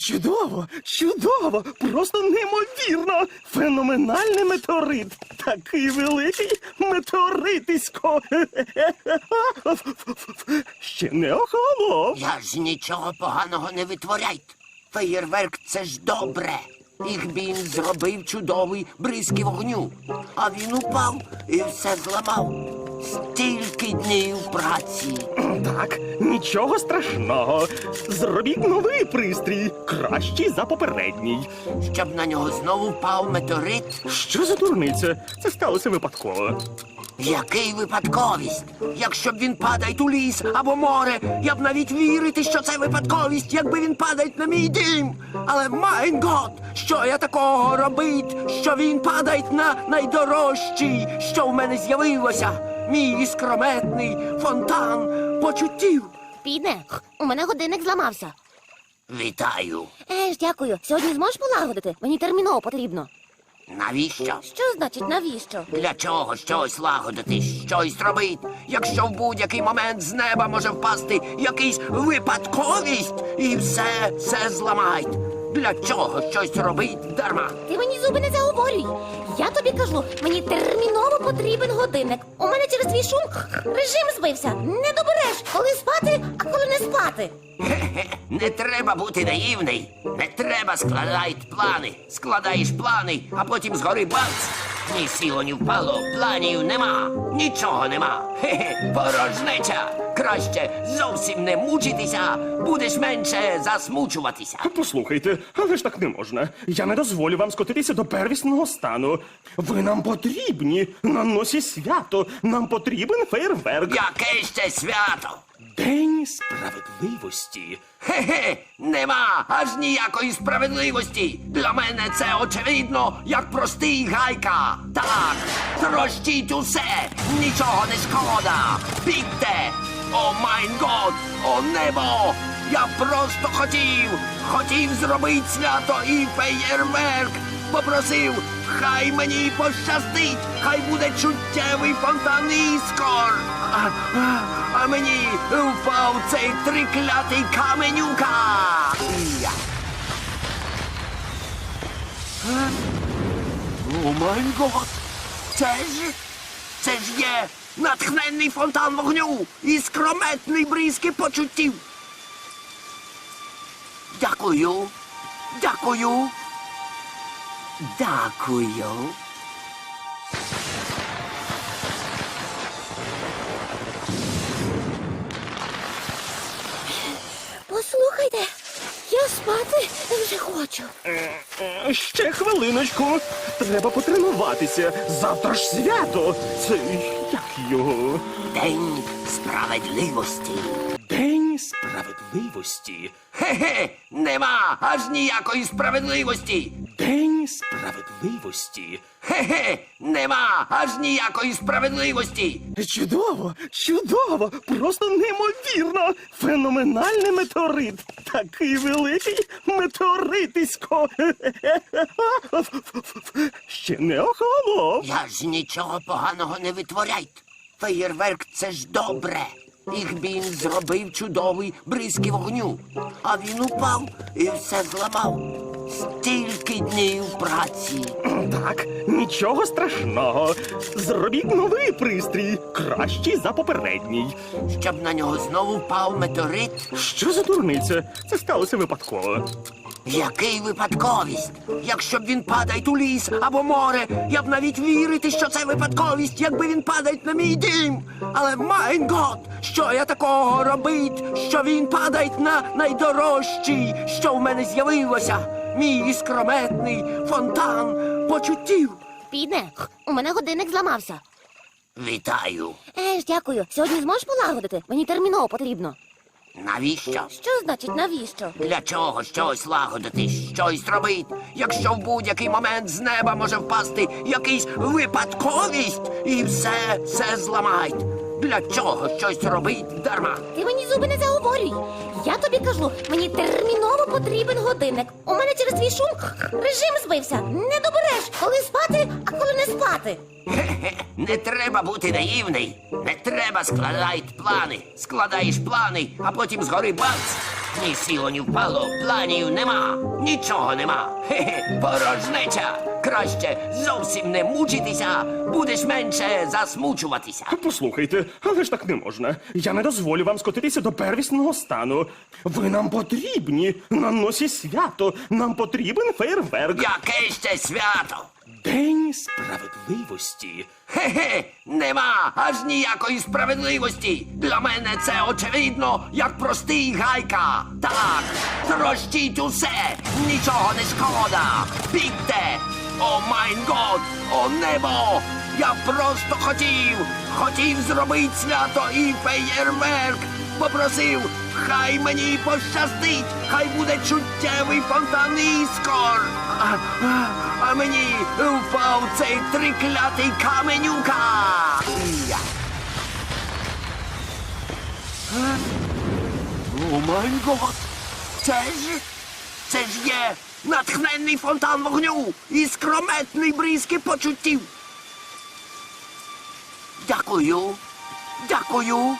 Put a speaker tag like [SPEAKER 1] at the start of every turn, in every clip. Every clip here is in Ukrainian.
[SPEAKER 1] Чудово, чудово, просто неймовірно. Феноменальний метеорит. Такий великий метеоритисько. Ще не охолонув.
[SPEAKER 2] Я ж нічого поганого не витворяйте. Феєрверк – це ж добре. Ігбін зробив чудовий бризки вогню. А він упав і все зламав. Стільки днів праці.
[SPEAKER 1] Так, нічого страшного. Зробіть новий пристрій, кращий за попередній.
[SPEAKER 2] Щоб на нього знову впав метеорит.
[SPEAKER 1] Що за дурниця? Це сталося випадково.
[SPEAKER 2] Який випадковість? Якщо б він падає у ліс або море, я б навіть вірити, що це випадковість, якби він падає на мій дім. Але, майн гот, що я такого робить, що він падає на найдорожчий, що в мене з'явилося? Мій іскрометний фонтан почуттів.
[SPEAKER 3] Піде, у мене годинник зламався.
[SPEAKER 2] Вітаю.
[SPEAKER 3] Дякую. Сьогодні зможеш полагодити? Мені терміново потрібно.
[SPEAKER 2] Навіщо?
[SPEAKER 3] Що значить навіщо?
[SPEAKER 2] Для чого щось лагодити, щось робить, якщо в будь-який момент з неба може впасти якийсь випадковість і все зламають? Для чого щось робить дарма?
[SPEAKER 3] Ти мені зуби не заговорюй. Я тобі кажу, мені терміново потрібен годинник. У мене через твій шум режим збився. Не добереш, коли спати, а коли не спати.
[SPEAKER 2] Хе-хе, не треба бути наївний. Не треба складати плани. Складаєш плани, а потім згори бац. Ні сіло, ні впало, планів нема. Нічого нема. Хе-хе, порожнеча. Краще зовсім не мучитися, будеш менше засмучуватися.
[SPEAKER 1] Послухайте, але ж так не можна. Я не дозволю вам скотитися до первісного стану. Ви нам потрібні. На носі свято. Нам потрібен фейерверк.
[SPEAKER 2] Яке ще свято?
[SPEAKER 1] День справедливості.
[SPEAKER 2] Хе-хе, нема аж ніякої справедливості. Для мене це очевидно, як простий гайка. Так, трощіть усе, нічого не шкода. Бігте! О майн год, о небо! Я просто хотів зробити свято і феєрверк. Попросив, хай мені пощастить, хай буде чуттєвий фонтан іскор. А мені впав цей триклятий каменюка. Я. О май гот! Це ж є натхненний фонтан вогню і скрометний бризки почуттів. Дякую. Дякую. Дякую.
[SPEAKER 3] Послухайте, я спати вже хочу.
[SPEAKER 1] Ще хвилиночку. Треба потренуватися. Завтра ж свято. Це як його?
[SPEAKER 2] День справедливості.
[SPEAKER 1] День справедливості.
[SPEAKER 2] Хе-хе, нема аж ніякої справедливості.
[SPEAKER 1] День справедливості.
[SPEAKER 2] Хе-хе, нема аж ніякої справедливості.
[SPEAKER 1] Чудово, чудово, просто неймовірно. Феноменальний метеорит. Такий великий метеоритисько. Ще не охолонув.
[SPEAKER 2] Я ж нічого поганого не витворяйте. Феєрверк – це ж добре. Ігбін зробив чудовий бризки вогню. А він упав і все зламав. Стільки днів праці.
[SPEAKER 1] Так, нічого страшного. Зробіть новий пристрій, кращий за попередній.
[SPEAKER 2] Щоб на нього знову впав метеорит.
[SPEAKER 1] Що за дурниця? Це сталося випадково.
[SPEAKER 2] Який випадковість? Якщо б він падає у ліс або море, я б навіть вірити, що це випадковість, якби він падає на мій дім. Але, майн гот, що я такого робить, що він падає на найдорожчий, що в мене з'явилося? Мій іскрометний фонтан почуттів.
[SPEAKER 3] Піде, у мене годинник зламався.
[SPEAKER 2] Вітаю.
[SPEAKER 3] Дякую. Сьогодні зможеш полагодити? Мені терміново потрібно.
[SPEAKER 2] Навіщо?
[SPEAKER 3] Що значить навіщо?
[SPEAKER 2] Для чого щось лагодити, щось робить, якщо в будь-який момент з неба може впасти якийсь випадковість і все зламають? Для чого щось робить дарма?
[SPEAKER 3] Ти мені зуби не заговорюй. Я тобі кажу, мені терміново потрібен годинник. У мене через твій шум режим збився. Не добереш, коли спати, а коли не спати.
[SPEAKER 2] Хе-хе, не треба бути наївний. Не треба складати плани. Складаєш плани, а потім згори бац. Ні сіло, ні впало, планів нема, нічого нема. Хе-хе, порожнеча. Краще зовсім не мучитися, будеш менше засмучуватися.
[SPEAKER 1] Послухайте, але ж так не можна. Я не дозволю вам скотитися до первісного стану. Ви нам потрібні на носі свято. Нам потрібен фейерверк.
[SPEAKER 2] Яке ще свято?
[SPEAKER 1] День справедливості.
[SPEAKER 2] Хе-хе, нема аж ніякої справедливості. Для мене це очевидно, як простий гайка. Так, трощіть усе, нічого не шкода. Бігте! О майн год, о небо! Я просто хотів зробити свято і феєрверк. Попросив, хай мені пощастить, хай буде чуттєвий фонтан іскор. А мені впав цей триклятий каменюка. Я. О май гот! Це ж є натхненний фонтан вогню і скрометний бризки почуттів. Дякую. Дякую.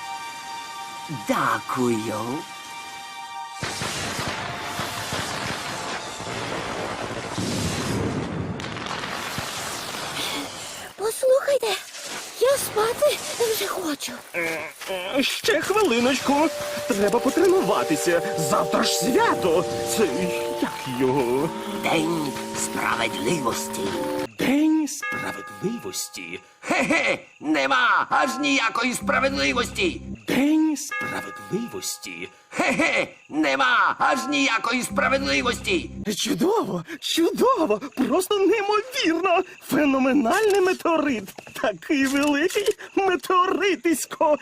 [SPEAKER 2] Дякую.
[SPEAKER 3] Послухайте, я спати вже хочу.
[SPEAKER 1] Ще хвилиночку. Треба потренуватися. Завтра ж свято. Це як його?
[SPEAKER 2] День справедливості.
[SPEAKER 1] День справедливості.
[SPEAKER 2] Хе-хе, нема аж ніякої справедливості.
[SPEAKER 1] День справедливості.
[SPEAKER 2] Хе-хе, нема аж ніякої справедливості.
[SPEAKER 1] Чудово, чудово, просто неймовірно. Феноменальний метеорит. Такий великий метеоритисько.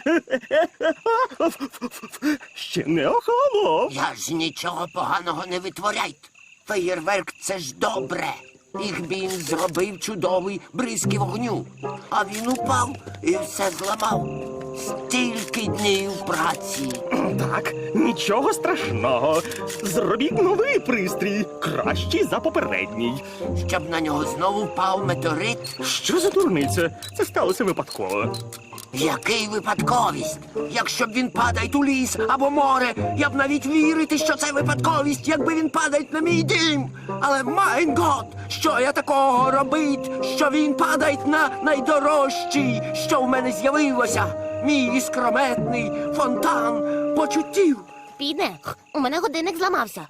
[SPEAKER 1] Ще не охолонув.
[SPEAKER 2] Я ж нічого поганого не витворяйте. Феєрверк — це ж добре. Їх він зробив чудовий бризки вогню. А він упав і все зламав. Стільки днів праці.
[SPEAKER 1] Так, нічого страшного. Зробіть новий пристрій, кращий за попередній.
[SPEAKER 2] Щоб на нього знову впав метеорит.
[SPEAKER 1] Що за дурниця? Це сталося випадково.
[SPEAKER 2] Який випадковість? Якщо б він падає у ліс або море, я б навіть вірити, що це випадковість, якби він падає на мій дім. Але майн гот, що я такого робить, що він падає на найдорожчий, що в мене з'явилося. Мій іскрометний фонтан почуттів.
[SPEAKER 3] Піде, у мене годинник зламався.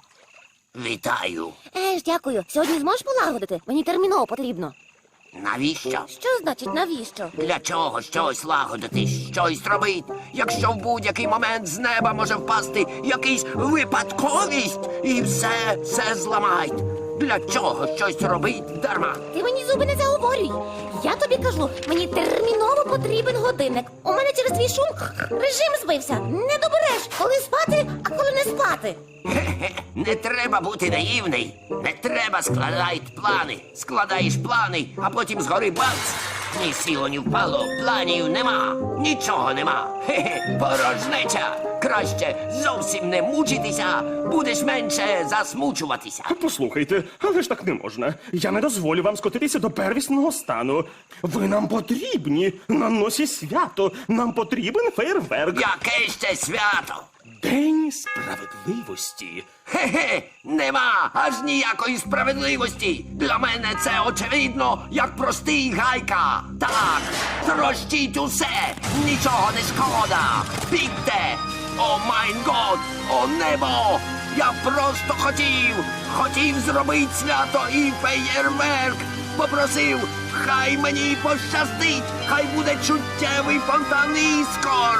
[SPEAKER 2] Вітаю.
[SPEAKER 3] Дякую. Сьогодні зможеш полагодити? Мені терміново потрібно.
[SPEAKER 2] Навіщо?
[SPEAKER 3] Що значить навіщо?
[SPEAKER 2] Для чого щось лагодити, щось робить, якщо в будь-який момент з неба може впасти якийсь випадковість і все зламають? Для чого щось робить дарма?
[SPEAKER 3] Ти мені зуби не заговорюй. Я тобі кажу, мені терміново потрібен годинник. У мене через твій шум режим збився. Не добереш, коли спати, а коли не спати.
[SPEAKER 2] Хе-хе, не треба бути наївний. Не треба складати плани. Складаєш плани, а потім згори бац. Ні сіло, ні впало, планів нема, нічого нема. Хе-хе, порожнеча. Краще зовсім не мучитися, будеш менше засмучуватися.
[SPEAKER 1] Послухайте, але ж так не можна. Я не дозволю вам скотитися до первісного стану. Ви нам потрібні на носі свято. Нам потрібен фейерверк.
[SPEAKER 2] Яке ще свято?
[SPEAKER 1] День справедливості.
[SPEAKER 2] Хе-хе, нема аж ніякої справедливості. Для мене це очевидно, як простий гайка. Так, трощіть усе, нічого не шкода. Бігте! О майн год, о небо! Я просто хотів зробити свято і феєрверк. Попросив, хай мені пощастить, хай буде чуттєвий фонтан іскор.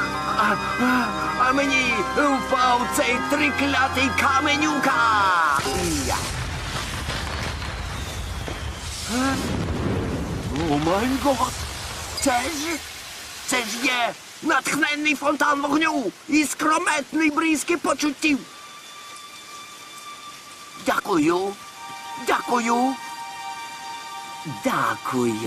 [SPEAKER 2] А мені впав цей триклятий каменюка. Я. О май гот! Це ж є натхненний фонтан вогню і скрометний бризки почуттів. Дякую. Дякую. Дякую.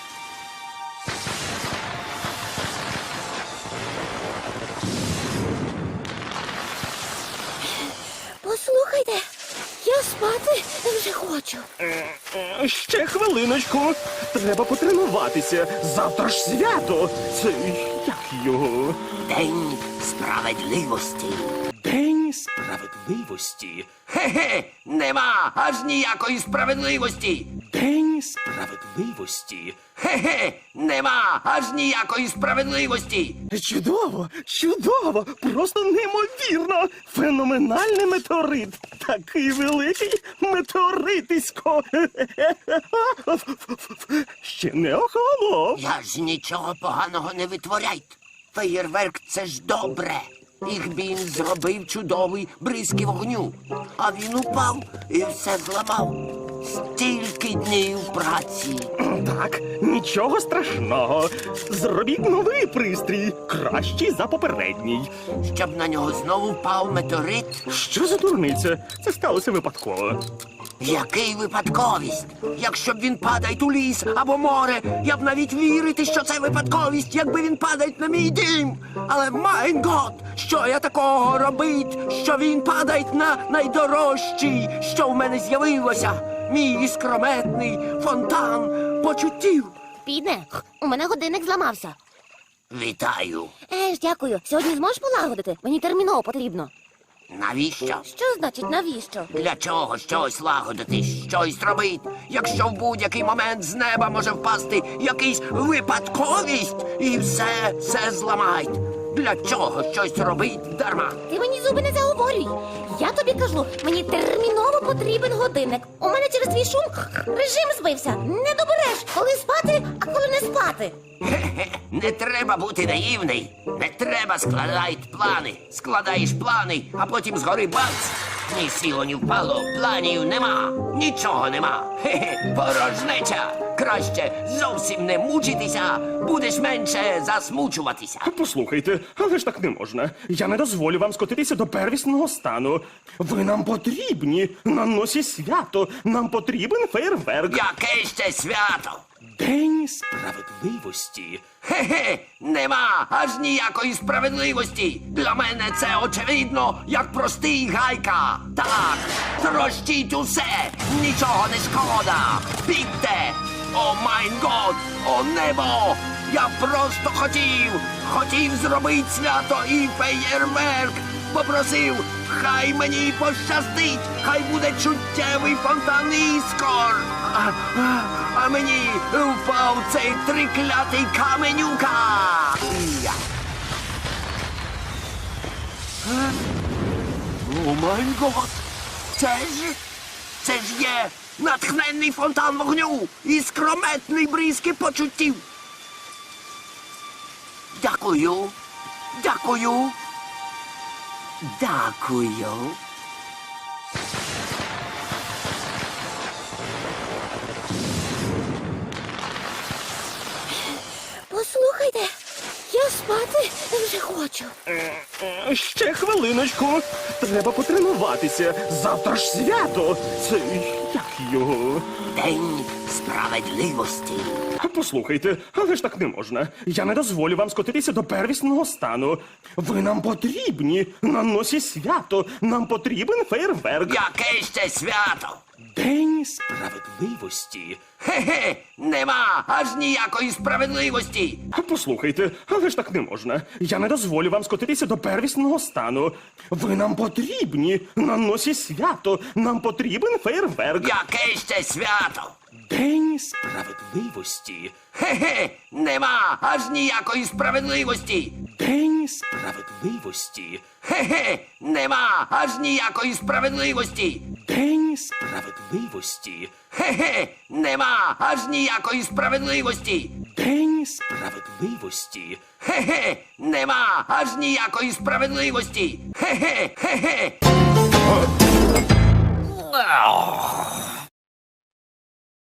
[SPEAKER 3] Послухайте, я спати вже хочу.
[SPEAKER 1] Ще хвилиночку. Треба потренуватися. Завтра ж свято. Це як його?
[SPEAKER 2] День справедливості.
[SPEAKER 1] День справедливості.
[SPEAKER 2] Хе-хе, нема аж ніякої справедливості.
[SPEAKER 1] День справедливості.
[SPEAKER 2] Хе-хе, нема аж ніякої справедливості.
[SPEAKER 1] Чудово, чудово, просто неймовірно. Феноменальний метеорит. Такий великий метеоритисько. Ще не охолонув.
[SPEAKER 2] Я ж нічого поганого не витворяйте. Феєрверк — це ж добре. Їх він зробив чудовий бризки вогню. А він упав і все зламав. Стільки днів праці.
[SPEAKER 1] Так, нічого страшного. Зробіть новий пристрій, кращий за попередній.
[SPEAKER 2] Щоб на нього знову впав метеорит.
[SPEAKER 1] Що за дурниця? Це сталося випадково.
[SPEAKER 2] Який випадковість? Якщо б він падає у ліс або море, я б навіть вірити, що це випадковість, якби він падає на мій дім. Але майн гот, що я такого робить, що він падає на найдорожчий, що в мене з'явилося, мій іскрометний фонтан почуттів.
[SPEAKER 3] Піде, у мене годинник зламався.
[SPEAKER 2] Вітаю.
[SPEAKER 3] Дякую. Сьогодні зможеш полагодити? Мені терміново потрібно.
[SPEAKER 2] Навіщо?
[SPEAKER 3] Що значить навіщо?
[SPEAKER 2] Для чого щось лагодити, щось робити, якщо в будь-який момент з неба може впасти якийсь випадковість і все зламають? Для чого щось робить дарма?
[SPEAKER 3] Ти мені зуби не заговорюй. Я тобі кажу, мені терміново потрібен годинник. У мене через твій шум режим збився. Не добереш, коли спати, а коли не спати.
[SPEAKER 2] Хе-хе, не треба бути наївний. Не треба складати плани. Складаєш плани, а потім згори бац. Ні сіло, ні впало, планів нема, нічого нема. Хе-хе, порожнеча. Краще зовсім не мучитися, будеш менше засмучуватися.
[SPEAKER 1] Послухайте, але ж так не можна. Я не дозволю вам скотитися до первісного стану. Ви нам потрібні на носі свято. Нам потрібен фейерверк.
[SPEAKER 2] Яке ще свято?
[SPEAKER 1] День справедливості.
[SPEAKER 2] Хе-хе, нема аж ніякої справедливості. Для мене це очевидно, як простий гайка. Так, трощіть усе, нічого не шкода. Бігте! О майн год, о небо! Я просто хотів зробити свято і феєрверк. Попросив, хай мені пощастить, хай буде чуттєвий фонтан іскор. А мені впав цей триклятий каменюка. Я. О май гот! Це ж є натхненний фонтан вогню і скрометний бризки почуттів. Дякую. Дякую. Дякую.
[SPEAKER 3] Послухайте, я спати вже хочу.
[SPEAKER 1] Ще хвилиночку. Треба потренуватися. Завтра ж свято. Це як його?
[SPEAKER 2] День справедливості.
[SPEAKER 1] Послухайте, але ж так не можна. Я не дозволю вам скотитися до первісного стану. Ви нам потрібні на носі свято. Нам потрібен фейерверк.
[SPEAKER 2] Яке ще свято?
[SPEAKER 1] День справедливості.
[SPEAKER 2] Хе-хе, нема аж ніякої справедливості.
[SPEAKER 1] Послухайте, але ж так не можна. Я не дозволю вам скотитися до первісного стану. Ви нам потрібні на носі свято. Нам потрібен фейерверк.
[SPEAKER 2] Яке ще свято?
[SPEAKER 1] День справедливості.
[SPEAKER 2] Хе-хе, нема аж ніякої справедливості.
[SPEAKER 1] День справедливості.
[SPEAKER 2] Хе-хе, нема аж ніякої справедливості.
[SPEAKER 1] День справедливості.
[SPEAKER 2] Хе-хе, нема аж ніякої справедливості.
[SPEAKER 1] День справедливості.
[SPEAKER 2] Хе-хе, нема аж ніякої справедливості. Хе-хе, хе-хе.